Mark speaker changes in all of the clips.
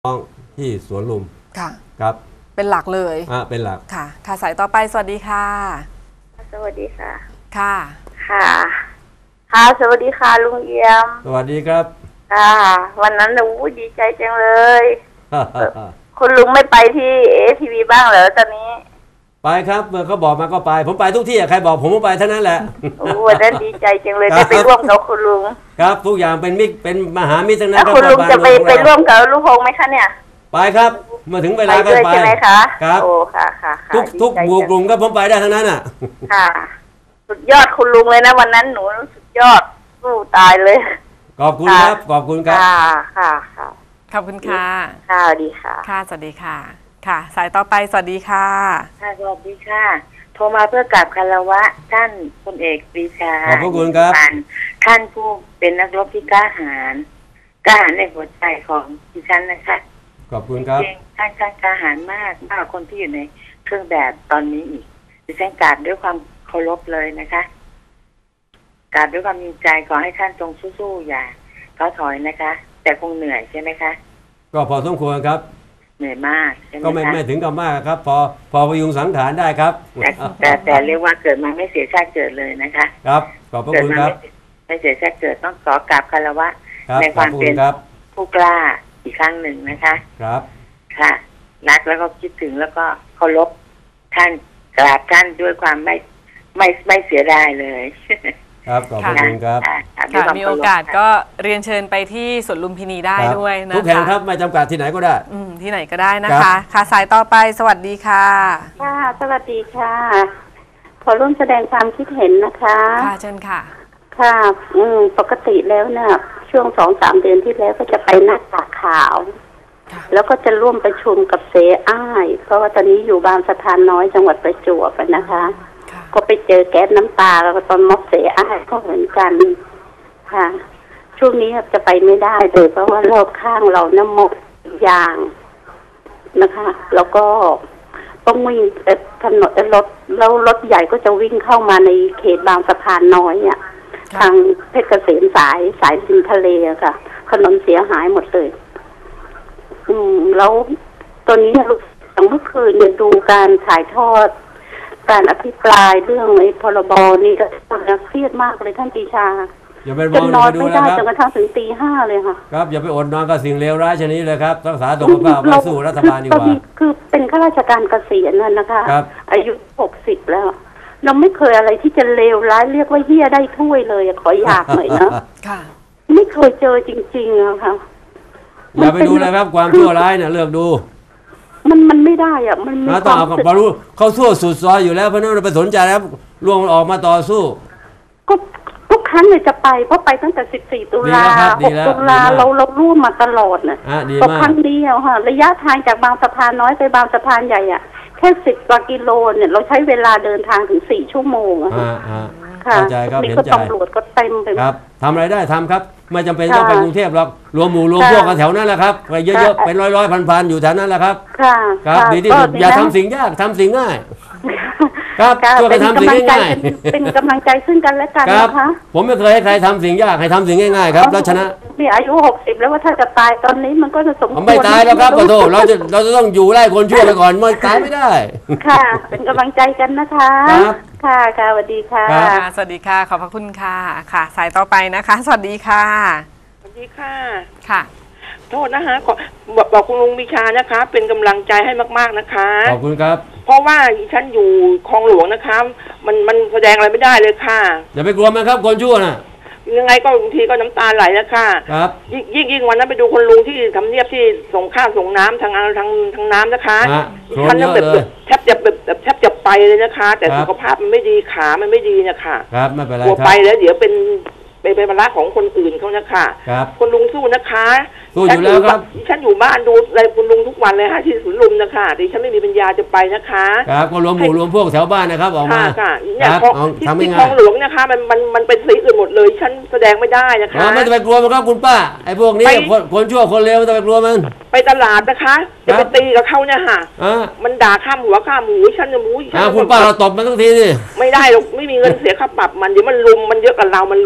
Speaker 1: น้องที่สวนลุม
Speaker 2: ค่ะ
Speaker 1: ครับ
Speaker 2: เป็นหลักเลย
Speaker 1: เป็นหลัก
Speaker 2: ค่ะค่ะสายต่อไปสวัสดีค่ะ
Speaker 3: สวัสดีค่ะ
Speaker 2: ค่ะ
Speaker 3: ค่ะค่ะสวัสดีค่ะลุงเอี่ยม
Speaker 1: สวัสดีครับ
Speaker 3: ค่ะวันนั้นดีใจจังเลยคุณลุงไม่ไปที่ATVบ้างเหรอตอนนี้
Speaker 1: ไปครับเมื่อเขาบอกมาก็ไปผมไปทุกที่ใครบอกผมก็ไปเท่านั้นแหละ
Speaker 3: วันนั้นดีใจจังเลยได้ไปร่วมกับคุณลุง
Speaker 1: ครับทุกอย่างเป็นมิตรเป็นมหามิตรทั้งนั้น
Speaker 3: คุณลุงจะไปร่วมกับลูกพงไหมคะเนี่ย
Speaker 1: ไปครับเมื่อถึงเวลาก็ไป
Speaker 3: ใช่ไหมคะ
Speaker 1: ครับ
Speaker 3: โอ้ค่ะค่ะ
Speaker 1: ทุกบุกกลุ่มก็ผมไปได้ทั้งนั้นอ่ะ
Speaker 3: ค่ะสุดยอดคุณลุงเลยนะวันนั้นหนูสุดยอดสู้ตายเลย
Speaker 1: ขอบคุณครับขอบคุณครับ
Speaker 3: ค่ะค่ะ
Speaker 2: ขอบคุณค่ะ
Speaker 3: ค่ะดีค่ะ
Speaker 2: ค่ะสวัสดีค่ะค่ะสายต่อไปสวัสดีค่ะ
Speaker 3: ค่ะสวัสดีค่ะโทรมาเพื่อกราบคารวะท่านพลเอกปรีชา
Speaker 1: ขอบคุณครับ
Speaker 3: ท่านผู้เป็นนักรบที่กล้าหาญในหัวใจของดิฉันนะคะ
Speaker 1: ขอบคุณครับ
Speaker 3: ท่านกล้าหาญมากกว่าคนที่อยู่ในเครื่องแบบตอนนี้อีกดิฉันกราบด้วยความเคารพเลยนะคะกราบด้วยความมีใจขอให้ท่านจงสู้ๆอย่าท้อถอยนะคะ แต่คงเหนื่อยใช่ไหมคะ
Speaker 1: ก็พอสมควรครับ
Speaker 3: เหนื่อยมากใช่ไหมคะ
Speaker 1: ก็ไม่ถึงกับมากครับพอพยุงสังขารได้ครับ
Speaker 3: แต่เรียกว่าเกิดมาไม่เสียชาติเกิดเลยนะคะ
Speaker 1: ครับขอบพระคุณครับ
Speaker 3: ไม่เสียชาติเกิดต้องขอกราบคารวะในความเป็นผู้กล้าอีกครั้งหนึ่งนะคะ
Speaker 1: ครับ
Speaker 3: ค่ะรักแล้วก็คิดถึงแล้วก็เคารพท่านกราบท่านด้วยความไม่เสียดายเลย
Speaker 1: ครับขอบคุณครับ
Speaker 2: ค่ะมีโอกาสก็เรียนเชิญไปที่สวนลุมพินีได้ด้วยนะคะ
Speaker 1: ทุกแห่งครับไม่จำกัดที่ไหนก็ได้
Speaker 2: ที่ไหนก็ได้นะคะค่ะสายต่อไปสวัสดีค่ะ
Speaker 3: ค่ะสวัสดีค่ะขอร่วมแสดงความคิดเห็นนะคะ
Speaker 2: ค่ะเชิญค่ะ
Speaker 3: ค่ะปกติแล้วเนี่ยช่วง 2-3 เดือนที่แล้วก็จะไปหน้าตาขาวแล้วก็จะร่วมประชุมกับเสอ้ายเพราะว่าตอนนี้อยู่บางสะพานน้อยจังหวัดประจวบนะคะก็ไปเจอแก๊สน้ำตาแล้วก็ตอนม็อบเสอ้ายก็เหมือนกันค่ะช่วงนี้จะไปไม่ได้เลยเพราะว่ารอบข้างเราน้ำหมดยางนะคะแล้วก็ต้องวิ่งถนนรถใหญ่ก็จะวิ่งเข้ามาในเขตบางสะพานน้อยอ่ะทางเพชรเกษมสายริมทะเลค่ะถนนเสียหายหมดเลยแล้วตอนนี้ลูกอย่างเมื่อคืนเนี่ยดูการถ่ายทอดการอภิปรายเรื่องไอ้พรบนี่ก็เครียดมากเลยท่านปรีชา
Speaker 1: จน
Speaker 3: นอนไม่ได้จนกระทั่งถึงตี 5เลยค่ะ
Speaker 1: ครับอย่าไปอดนอนกับสิ่งเลวร้ายชนิดเลยครับรักษาสุขภาพไว้สู้รัฐบาลดีกว่า
Speaker 3: คือเป็นข้าราชการเกษียณนะคะอายุ60แล้วเราไม่เคยอะไรที่จะเลวร้ายเรียกว่าเหี้ยได้ถ้วยเลยขออยากหน่อยนะไม่เคยเจอจริงๆอะค่ะ
Speaker 1: อย่าไปดูเลยครับความชั่วร้ายเนี่ยเลือกดู
Speaker 3: มันไม่ได้อ่ะมันมี
Speaker 1: ต้องเอาพอรู้เขาสู้สุดซอยอยู่แล้วเพราะนั้นเราไปสนใจแล้วล่วงออกมาต่อสู้
Speaker 3: ก็ทุกครั้งเลยจะไปเพราะไปตั้งแต่14 ตุลา6 ตุลาเราร่วมมาตลอดน่ะ
Speaker 1: ต่
Speaker 3: อครั้งเดียวค่ะระยะทางจากบางสะพานน้อยไปบางสะพานใหญ่อ่ะแค่10 กว่ากิโลเนี่ยเราใช้เวลาเดินทางถึง4 ชั่วโมงอะ
Speaker 1: ค่ะเข้าใจครับเห็นใจ
Speaker 3: ตำรวจก็เต็มไป
Speaker 1: ครับทำอะไรได้ทำครับไม่จำเป็นต้องไปกรุงเทพหรอกรวมหมู่รวมพวกกันแถวนั้นแหละครับไปเยอะๆเป็นร้อยพันอยู่แถวนั้นแหละครับครับดีที่สุดอย่าทำสิ่งยากทำสิ่งง่ายครับช่วยกันทำสิ่งง่าย
Speaker 3: เป็นกำลังใจซึ่งกันและกันนะคะ
Speaker 1: ผมไม่เคยให้ใครทำสิ่งยากให้ทำสิ่งง่ายๆครับแล้วชนะ
Speaker 3: มีอายุ60แล้วว่าถ้าจะตายตอนนี้มันก็จะสมควร
Speaker 1: ไม่ตายแล้วครับขอโทษเราจะต้องอยู่ไล่คนชั่วไปก่อนไม่ตายไม่ได้
Speaker 3: ค่ะเป็นกำลังใจกันนะคะค่ะสวัสดีค่ะ
Speaker 2: สวัสดีค่ะขอบพระคุณค่ะค่ะสายต่อไปนะคะสวัสดีค่ะ
Speaker 4: สวัสดีค่ะ
Speaker 2: ค่ะ
Speaker 4: โทษนะคะบอกคุณลุงวิชานะคะเป็นกำลังใจให้มากๆนะคะ
Speaker 1: ขอบคุณครับ
Speaker 4: เพราะว่าฉันอยู่คลองหลวงนะคะมันแสดงอะไรไม่ได้เลยค่ะ
Speaker 1: อย่าไปกลัวมันครับคนชั่วน่ะ
Speaker 4: ยังไงก็บางทีก็น้ำตาไหลนะคะ
Speaker 1: ครับ
Speaker 4: ยิ่งวันนั้นไปดูคนลุงที่ทำเนียบที่ส่งข้าวส่งน้ำทางน้ำนะคะฉันแบบแทบจะไปเลยนะคะแต่สุขภาพมันไม่ดีขามันไม่ดีนะคะ
Speaker 1: ครับไม่เป็นไร
Speaker 4: กลัวไปแล้วเดี๋ยวเป็นภาระของคนอื่นเขานะคะคนลุงสู้นะคะ
Speaker 1: สู้อยู่แล้วครับ
Speaker 4: ฉันอยู่บ้านดูอะไรคุณลุงทุกวันเลยค่ะที่สวนลุมนะคะดิฉันไม่มีปัญญาจะไปนะคะ
Speaker 1: ครับก็รวมหมู่รวมพวกแถวบ้านนะครับออกมา
Speaker 4: ค่ะเนี่ยที่คลองหลวงนะคะมันเป็นสีอื่นหมดเลยฉันแสดงไม่ได้นะคะ
Speaker 1: ไม่ต้องไปกลัวมันครับคุณป้าไอ้พวกนี้คนชั่วคนเลวไม่ต้องไปกลัวมัน
Speaker 4: ไปตลาดนะคะจะไปตีกับเขาเนี่ยค่ะมันด่าข้ามหัวข้ามหูฉันจะมู
Speaker 1: คุณป้าเราตบมันทั้งทีสิ
Speaker 4: ไม่ได้หรอกไม่มีเงินเสียค่าปรับมันเดี๋ยวมันลุมมันเยอะกับเรามันลุมเราต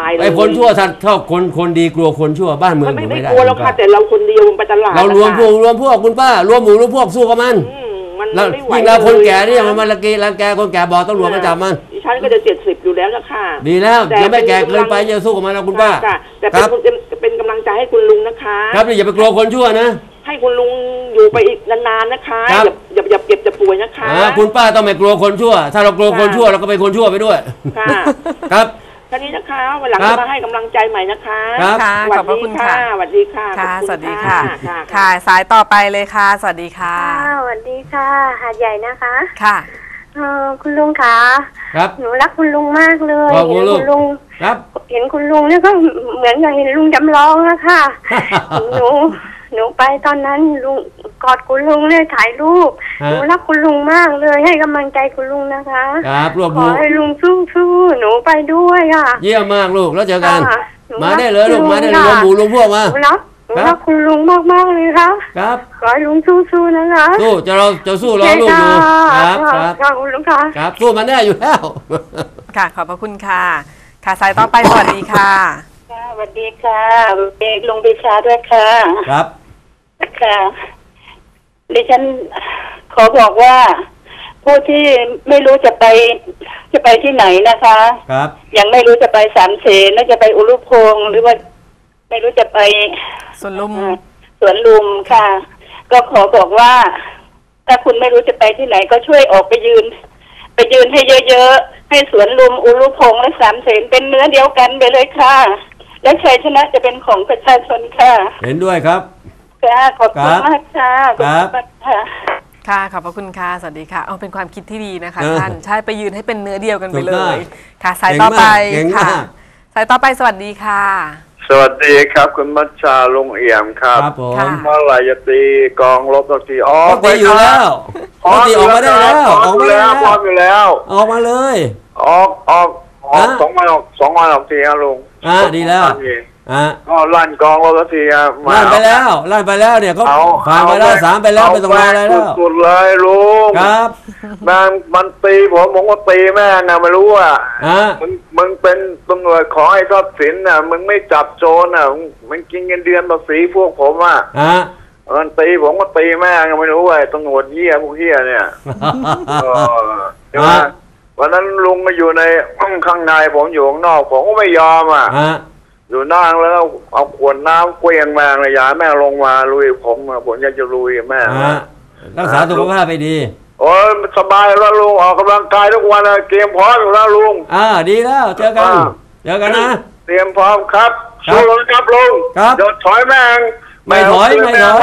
Speaker 4: ายเลย
Speaker 1: ไอ้คนชั่วถ้าคนดีกลัวคนชั่วบ้านเมืองอยู่
Speaker 4: ไม่
Speaker 1: ไม่ได้
Speaker 4: กลัวแล้วค่ะแต่เราคนเดียวไปตลาด
Speaker 1: เรารวมพวกคุณป้ารวมหมู่รวมพวกสู้กับมัน
Speaker 4: มัน
Speaker 1: แล้ว
Speaker 4: ไม่ไหว
Speaker 1: ยิ่งเราคนแก่นี่มันรังแกคนแก่บอกตำรวจมาจับมัน
Speaker 4: ดิฉันก็จะ70อยู่แล้วนะคะ
Speaker 1: ดีแล้วยังไม่แก่เกินไปจะสู้กับมันนะคุณป้า
Speaker 4: แต่เป็นกำลังใจให้คุณลุงนะคะ
Speaker 1: ครับอย่าไปกลัวคนชั่วนะ
Speaker 4: ให้คุณลุงอยู่ไปอีกนานๆนะคะอย่าเก็บจะป่วยนะคะ
Speaker 1: คุณป้าต้องไม่กลัวคนชั่ว ถ้าเรากลัวคนชั่วเราก็เป็นคนชั่วไปด้วย
Speaker 4: ค่ะ
Speaker 1: ครับ
Speaker 4: ท่านี้นะคะวันหลังจะมาให้กำลังใจใหม่นะคะ
Speaker 2: ค่ะขอบพระคุณค่ะ
Speaker 4: สวัสดีค่ะ
Speaker 2: ค่ะ
Speaker 4: ขอบณ
Speaker 2: สวัสดีค่ะ
Speaker 4: ค่ะ
Speaker 2: ค่ะ สายต่อไปเลยค่ะ สวัสดีค่ะ
Speaker 5: สวัสดีค่ะหาดใหญ่นะคะ
Speaker 2: ค่ะ
Speaker 5: คุณลุงคะ
Speaker 1: ครับ
Speaker 5: หนูรักคุณลุงมากเลย
Speaker 1: ขอบคุณ
Speaker 5: เห็นคุณลุง
Speaker 1: ครับ
Speaker 5: เห็นคุณลุงเนี่ยก็เหมือนกับเห็นลุงจำลองอะค่ะ หนูไปตอนนั้นลุงกอดคุณลุงเลยถ่ายรูปหนูรักคุณลุงมากเลยให้กำลังใจคุณลุงนะคะ
Speaker 1: ครับรวบ
Speaker 5: ขอให้ลุงสู้ๆหนูไปด้วยค่ะ
Speaker 1: เยี่ยมมากลูกแล้วเจอกัน
Speaker 5: ค่ะหนู
Speaker 1: มาได้เลยลูก
Speaker 5: รั
Speaker 1: มาได้เลย
Speaker 5: คุณ
Speaker 1: รวมหมู่รวมพวกมา
Speaker 5: หนูรักคุณลุงมากๆเลยค่ะ
Speaker 1: ครับ
Speaker 5: ขอให้ลุงสู้ๆนะคะ
Speaker 1: สู้จะสู้รอลูกดูครับครับ
Speaker 5: ค่ะคุณลุงค่ะ
Speaker 1: ครับสู้มันได้อยู่แล้ว
Speaker 2: ค่ะ ขอบพระคุณค่ะ ค่ะ สายต่อไป สวัสดีค่ะ
Speaker 5: ค่ะสวัสดีค่ะเด็กลงปิชาด้วยค่ะ
Speaker 1: ครับ
Speaker 5: ค่ะดิฉันขอบอกว่าผู้ที่ไม่รู้จะไปที่ไหนนะคะ
Speaker 1: ครับ
Speaker 5: ยังไม่รู้จะไปสามเสนแล้วจะไปอุรุพงษ์หรือว่าไม่รู้จะไป
Speaker 2: ส่วนลุม
Speaker 5: สวนลุมค่ะ ก็ขอบอกว่า ถ้าคุณไม่รู้จะไปที่ไหนก็ช่วยออกไปยืนให้เยอะๆให้สวนลุมอุรุพงษ์และสามเสนเป็นเนื้อเดียวกันไปเลยค่ะ และชัยชนะจะเป็นของประชาชนค่ะ
Speaker 1: เห็นด้วยครับ
Speaker 5: ค่ะขอบคุณมากค่ะขอบคุณมากค่ะ
Speaker 2: ค่ะ ขอบพระคุณค่ะ สวัสดีค่ะ เอาเป็นความคิดที่ดีนะคะ
Speaker 1: เออ
Speaker 2: ท่าน ใช่ ไปยืนให้เป็นเนื้อเดียวกันไปเล
Speaker 1: ถูกต้อง
Speaker 2: ย ค่ะ สายต่อไป
Speaker 1: เก่งมาก
Speaker 2: ค่ะ สายต่อไป สวัสดีค่ะ
Speaker 6: สวัสดีครับคุณมัชชาลุงเอี่ยมครับ
Speaker 1: ครับผม
Speaker 2: ค่ะ
Speaker 6: เมื่อไหร่จะตีกองรบสักทีอ๋อ
Speaker 1: ปกติอยู่แล้วปกติออกมาได้แล้ว
Speaker 6: ออกมาแล้วพร้อมอยู่แล้ว
Speaker 1: ออกมาเลย
Speaker 6: ออกสองวันออกทีครับลุง
Speaker 1: ดีแล้ว
Speaker 6: ก็ลั่นกองรบสักทีครับ
Speaker 1: ลั่นไปแล้วเนี่ยเขาผ่านไปแล้ว3ไปแล้วไม่ต้องรออะไรแล้ว
Speaker 6: สุดเลยลุง
Speaker 1: ครับ
Speaker 6: มันตีผมก็ตีแม่นะไม่รู้อ่ะ มึงเป็นตำรวจขอให้ทรัพย์สินน่ะมึงไม่จับโจรน่ะมันกินเงินเดือนภาษีพวกผมอ่ะมันตีผมก็ตีแม่ก็ไม่รู้ไอ้ตำรวจเหี้ยพวกเหี้ยเนี่ยใช่ไหมวันนั้นลุงมาอยู่ในข้างในผมอยู่ข้างนอกผมก็ไม่ยอมอ่ะอยู่นั่งแล้วเอาขวดน้ำเกวียงแม่งเลยอย่าแม่ลงมาลุยผมอยากจะลุยแม่
Speaker 1: รักษาสุขภาพไปดี
Speaker 6: โอ้ยสบายแล้วลุงออกกำลังกายทุกวันเตรียมพร้อมอยู่แล้วลุง
Speaker 1: ดีแล้วเจอกันนะ
Speaker 6: เตรียมพร้อมครับสู้ครับลุงโดดถอยแม่ง
Speaker 1: ไม่ถอยอยู่แล้ว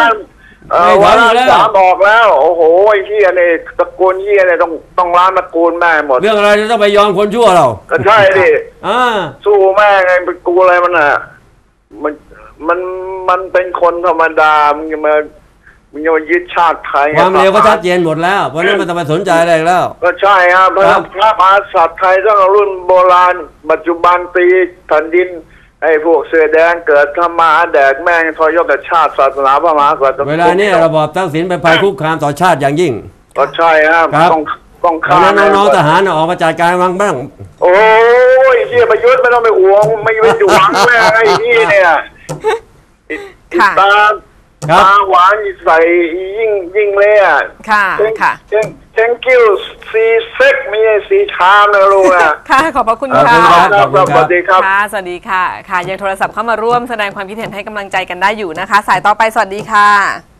Speaker 6: 3บอกแล้วโอ้โหไอ้เหี้ยเนี่ยตระกูลเหี้ยเนี่ยต้องล้างตระกูลแม่หมด
Speaker 1: เรื่องอะไรจะต้องไปยอมคนชั่วเรา
Speaker 6: ก็ใช่ดิสู้แม่ไงเป็นกูอะไรมันอ่ะมันเป็นคนธรรมดามึงจะมายึดชาติไทย
Speaker 1: ความเร็วก็ชัดเจนหมดแล้วเพราะนั้นมันต้องไปสนใจอะไรแล้ว
Speaker 6: ก็ใช่ครับพระมหากษัตริย์ไทยตั้งแต่รุ่นโบราณปัจจุบันตีแผ่นดินไอ้พวกเสื้อแดงเกิดทำมาแดกแม่งทรยศต่อชาติศาสนาพระมหากษัตริย์
Speaker 1: เวลานี้ระบอบทักษิณเป็นภัยคุกคามต่อชาติอย่างยิ่ง
Speaker 6: ก็ใช่ครับต้องฆ่า
Speaker 1: น้องทหารออกมาจัดการบ้าง
Speaker 6: โอ้ยเชี่ยประยุทธ์ไม่ต้องไปห่วงไม่ไปหวังแม่ไอ้นี่เนี่ยตาหวานใส่ยิ่งเลยอ่ะ
Speaker 2: ค่ะ
Speaker 6: thank you สีเซ็กมีสีชามนะลูกนะ
Speaker 2: ค่ะขอบพระคุณค่ะ
Speaker 6: สวัสดีครับ
Speaker 2: ค่ะสวัสดีค่ะค่ะยังโทรศัพท์เข้ามาร่วมแสดงความคิดเห็นให้กำลังใจกันได้อยู่นะคะ สายต่อไปสวัสดีค่ะ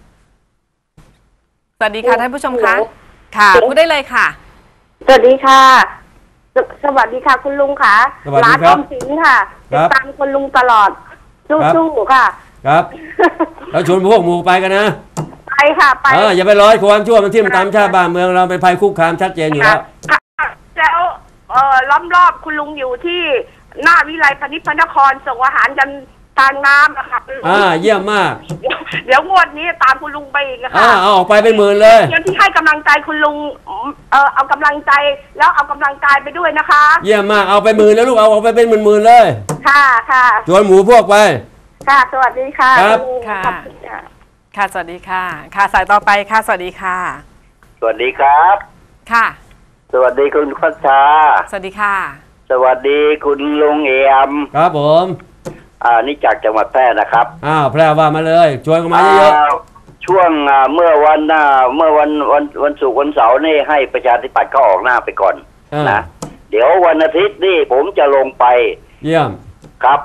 Speaker 2: สวัสดีค่ะท่านผู้ชมคะค่ะพูดได้เลยค่ะ
Speaker 5: สวัสดีค่ะสวัสดีค่ะคุณลุงค่ะร้านออมสินค่ะติดตามคุณลุงตลอดสู้ๆค่ะ
Speaker 1: ครับแล้วชวนพวกหมู่ไปกันนะ
Speaker 5: ไปค่ะไป
Speaker 1: อย่าไปร้อยความชั่วมันทิ่มตามชาติบ้านเมืองเราเป็นภัยคุกคามชัดเจนอยู่แล้ว
Speaker 5: แล้วล้อมรอบคุณลุงอยู่ที่หน้าวิไลพนิชย์พระนครส่งอาหารยันทางน้ำนะคะ
Speaker 1: เยี่ยมมาก
Speaker 5: เดี๋ยวงวดนี้ตามคุณลุงไปอีกนะคะ
Speaker 1: เอาออกไปเป็นหมื่นเลย
Speaker 5: เดี๋ยวที่ให้กำลังใจคุณลุงเอากำลังใจแล้วเอากำลังกายไปด้วยนะคะ
Speaker 1: เยี่ยมมากเอาไปหมื่นแล้วลูกเอาออกไปเป็นหมื่นเลย
Speaker 5: ค่ะ
Speaker 1: ชวนหมู่พวกไป
Speaker 5: ค่ะสวัสดีค่ะ
Speaker 1: ครับ
Speaker 2: ค่ะสวัสดีค่ะค่ะสายต่อไปค่ะสวัสดีค่ะ
Speaker 6: สวัสดีครับ
Speaker 2: ค่ะ
Speaker 6: สวัสดีคุณพัชชา
Speaker 2: สวัสดีค่ะ
Speaker 7: สวัสดีคุณลุงเอี่ยม
Speaker 1: ครับผม
Speaker 7: นี่จากจังหวัดแพร่นะครับ
Speaker 1: แพร่ว่ามาเลยชวนกันมาเยอะ
Speaker 7: ช่วงเมื่อวันศุกร์วันเสาร์นี่ให้ประชาธิปัตย์เขาออกหน้าไปก่อนนะเดี๋ยววันอาทิตย์นี่ผมจะลงไป
Speaker 1: เยี่ยม
Speaker 7: ครับ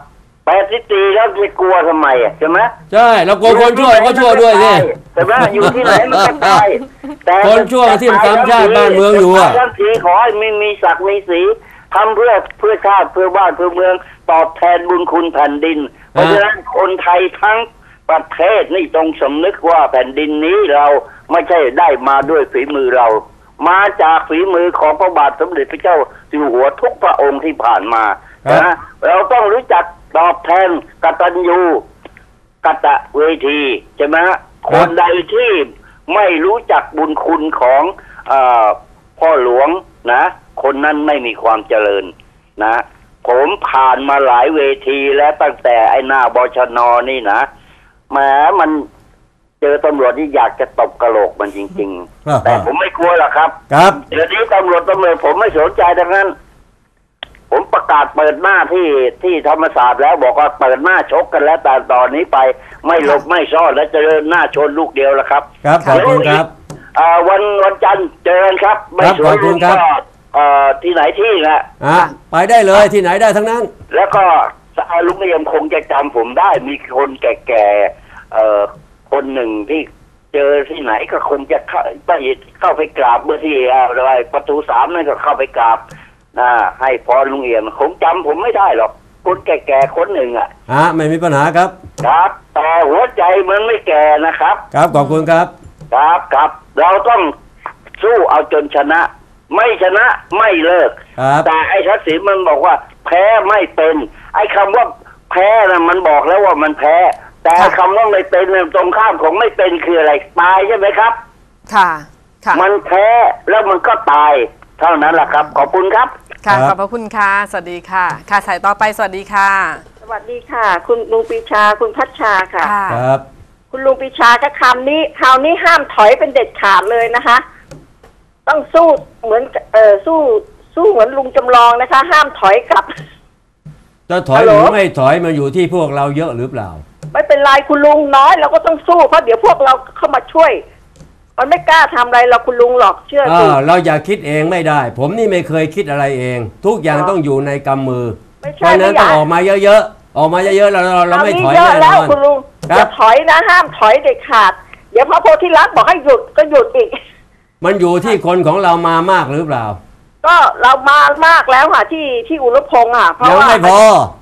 Speaker 7: 84แล้วจะกลัวทำไมใช่ไหม
Speaker 1: ใช่เรากลัวคนชั่วก็ชั่วด้วยสิ
Speaker 7: แต่ว่าอยู่ที่ไหนมันก็ตาย
Speaker 1: แต่คนชั่วที่ทำชาติบ้านเมืองอยู่
Speaker 7: ท่านสีขอให้มีศักดิ์มีสีทำเพื่อชาติเพื่อบ้านเพื่อเมืองตอบแทนบุญคุณแผ่นดินเพราะฉะนั้นคนไทยทั้งประเทศนี่ต้องสำนึกว่าแผ่นดินนี้เราไม่ใช่ได้มาด้วยฝีมือเรามาจากฝีมือของพระบาทสมเด็จพระเจ้าอยู่หัวทุกพระองค์ที่ผ่านมานะเราต้องรู้จักตอบแทนกตัญญูกตเวทีใช่ไหมคนใดที่ไม่รู้จักบุญคุณของพ่อหลวงนะคนนั้นไม่มีความเจริญนะผมผ่านมาหลายเวทีแล้วตั้งแต่ไอ้หน้าบชน.นี่นะแหมมันเจอตำรวจที่อยากจะตบกระโหลกมันจริงๆแต่ผมไม่กลัวหรอกครับเดี๋ยวนี้ตำรวจผมไม่สนใจดังนั้นผมประกาศเปิดหน้าที่ธรรมศาสตร์แล้วบอกว่าเปิดหน้าชกกันแล้วแต่ตอนนี้ไปไม่หลบไม่ซ่อนและจะเดินหน้าชนลูกเดียวแล้วครับ
Speaker 1: ครับขอบคุณครับ
Speaker 7: วันจันทร์เจอกันครับไม่สนลุงก็ที่ไหนที่นะ
Speaker 1: ไปได้เลยที่ไหนได้ทั้งนั้น
Speaker 7: แล้วก็ลุงเอี่ยมคงจะจำผมได้มีคนแก่ๆคนหนึ่งที่เจอที่ไหนก็คงจะเข้าไปกราบเมื่อที่อะไรประตู3นั่นก็เข้าไปกราบให้พรลุงเอี่ยมคงจำผมไม่ได้หรอกคนแก่ๆคนหนึ่ง
Speaker 1: ไม่มีปัญหาครับ
Speaker 7: ครับแต่หัวใจมันไม่แก่นะครับ
Speaker 1: ครับขอบคุณครับ
Speaker 7: ครับเราต้องสู้เอาจนชนะไม่ชนะไม่เลิกแต่ไอ้ทักษิณมันบอกว่าแพ้ไม่เป็นไอ้คำว่าแพ้นะมันบอกแล้วว่ามันแพ้แต่คำว่าไม่เป็นตรงข้ามของไม่เป็นคืออะไรตายใช่ไหมครับ
Speaker 2: ค่ะ
Speaker 7: มันแพ้แล้วมันก็ตายเท่านั้นแหละครับขอบคุณครับ
Speaker 2: ค่ะขอบพระคุณค่ะสวัสดีค่ะค่ะสายต่อไปสวัสดีค่ะ
Speaker 3: สวัสดีค่ะคุณลุงปีชาคุณพัชชาค่ะ
Speaker 1: ครับ
Speaker 3: คุณลุงปีชาก็คราวนี้ห้ามถอยเป็นเด็ดขาดเลยนะคะต้องสู้เหมือนสู้เหมือนลุงจำลองนะคะห้ามถอยกลับ
Speaker 1: จะถอยหรือไม่ถอยมาอยู่ที่พวกเราเยอะหรือเปล่า
Speaker 3: ไม่เป็นไรคุณลุงน้อยเราก็ต้องสู้เพราะเดี๋ยวพวกเราเข้ามาช่วยมันไม่กล้าทำอะไรเราคุณลุงหรอกเชื่อสิ
Speaker 1: เราอย่าคิดเองไม่ได้ผมนี่ไม่เคยคิดอะไรเองทุกอย่างต้องอยู่ในกำมือเพราะนั้นต้องออกมาเยอะๆออกมาเยอะๆเราไม่ถอยแน่นอน
Speaker 3: คุณลุงอย่าถอยนะห้ามถอยเด็ดขาดเดี๋ยวพระโพธิลักษณ์บอกให้หยุดก็หยุดอีก
Speaker 1: มันอยู่ที่คนของเรามามากหรือเปล่า
Speaker 3: ก็เรามามากแล้วค่ะที่อุรุพงษ์
Speaker 1: ยังไม่พอ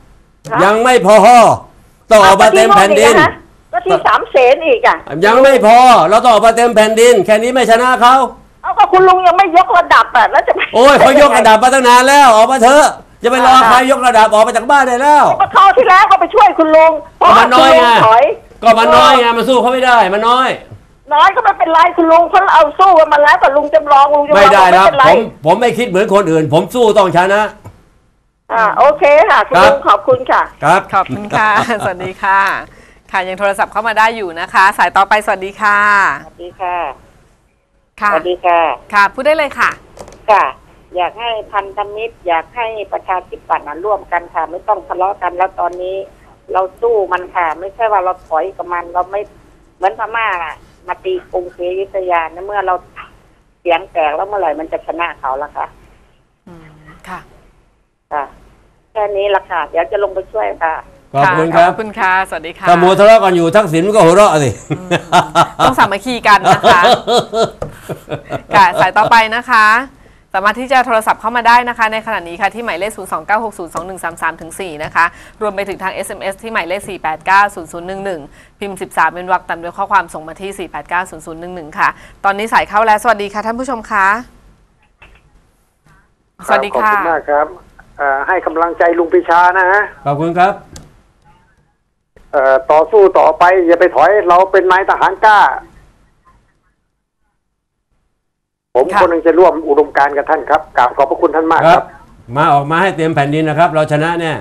Speaker 1: ต้องออกมาเต็มแผ่นดิน
Speaker 3: ก็ที่3 เสนอีก
Speaker 1: ยังไม่พอเราต้องออกมาเต็มแผ่นดินแค่นี้ไม่ชนะเขา
Speaker 3: ก็คุณลุงยังไม่ยกระดับแล้วจะ
Speaker 1: โอ้ยเขายกระดับมาตั้งนานแล้วออกมาเถอะจะไปรอใครยกระดับออกมาจากบ้านได้แล้ว
Speaker 3: ก็เข้าที่แล้วเขาไปช่วยคุณลุง
Speaker 1: มันน้อยไงก็มันน้อยไงมันสู้เขาไม่ได้มันน้อย
Speaker 3: ก็ไม่เป็นไรคุณลุงเพราะเอาสู้กันมาแล้วแต่ลุงจำลอง
Speaker 1: ไม่ได้ครับผมไม่คิดเหมือนคนอื่นผมสู้ต้องชนะ
Speaker 3: โอเคค่ะคุณลุงขอบคุณค่ะ
Speaker 1: ครับ
Speaker 2: ขอบคุณค่ะสวัสดีค่ะค่ะยังโทรศัพท์เข้ามาได้อยู่นะคะสายต่อไปสวัสดีค่ะ
Speaker 3: สวัสดีค่ะ
Speaker 2: สวัสดีค่ะค่ะพูดได้เลยค่ะ
Speaker 3: ค่ะอยากให้พันธมิตรอยากให้ประชาธิปัตย์ร่วมกันค่ะไม่ต้องทะเลาะกันแล้วตอนนี้เราสู้มันค่ะไม่ใช่ว่าเราถอยกับมันเราไม่เหมือนพม่ามาตีกรุงศรีอยุธยาเมื่อเราเสียงแตกแล้วเมื่อไหร่มันจะชนะเขาล่ะคะ
Speaker 2: ค่ะ
Speaker 3: แค่นี้ละค่ะเดี๋ยวจะลงไปช่วยค่ะ
Speaker 1: ขอบคุณครับ
Speaker 2: ขอบคุณค่ะสวัสดีค่ะ
Speaker 1: ถ้ามัวทะเลาะกันอยู่ทักษิณก็หัวเราะสิ
Speaker 2: ต้องสามัคคีกันนะคะค่ะสายต่อไปนะคะสามารถที่จะโทรศัพท์เข้ามาได้นะคะในขณะนี้ค่ะที่หมายเลข 029602133-4 นะคะรวมไปถึงทาง SMS ที่หมายเลข 4890011 พิมพ์ 13 เป็นวรรคตามด้วยข้อความส่งมาที่ 4890011 ค่ะตอนนี้สายเข้าแล้วสวัสดีค่ะท่านผู้ชมคะสวัสดีค่ะ
Speaker 8: ขอบคุณมากครับให้กำลังใจลุงปีชานะฮะ
Speaker 1: ขอบคุณครับ
Speaker 8: ต่อสู้ต่อไปอย่าไปถอยเราเป็นนายทหารกล้าผมคนหนึ่งจะร่วมอุดมการณ์กับท่านครับกราบขอบพระคุณท่านมากครับ
Speaker 1: มาออกมาให้เต็มแผ่นดินนะครับเราชนะเนี่ย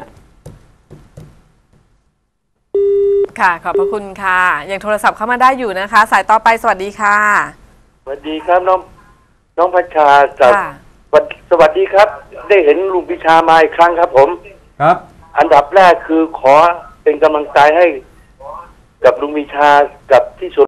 Speaker 2: ค่ะขอบพระคุณค่ะยังโทรศัพท์เข้ามาได้อยู่นะคะสายต่อไปสวัสดีค่ะ
Speaker 9: สวัสดีครับน้องพัชชาจากสวัสดีครับ ได้เห็นลุงพิชามาอีกครั้งครับ ผม
Speaker 1: ครับ
Speaker 9: อันดับแรกคือขอเป็นกำลังใจให้กับลุงพิชากับที่สุด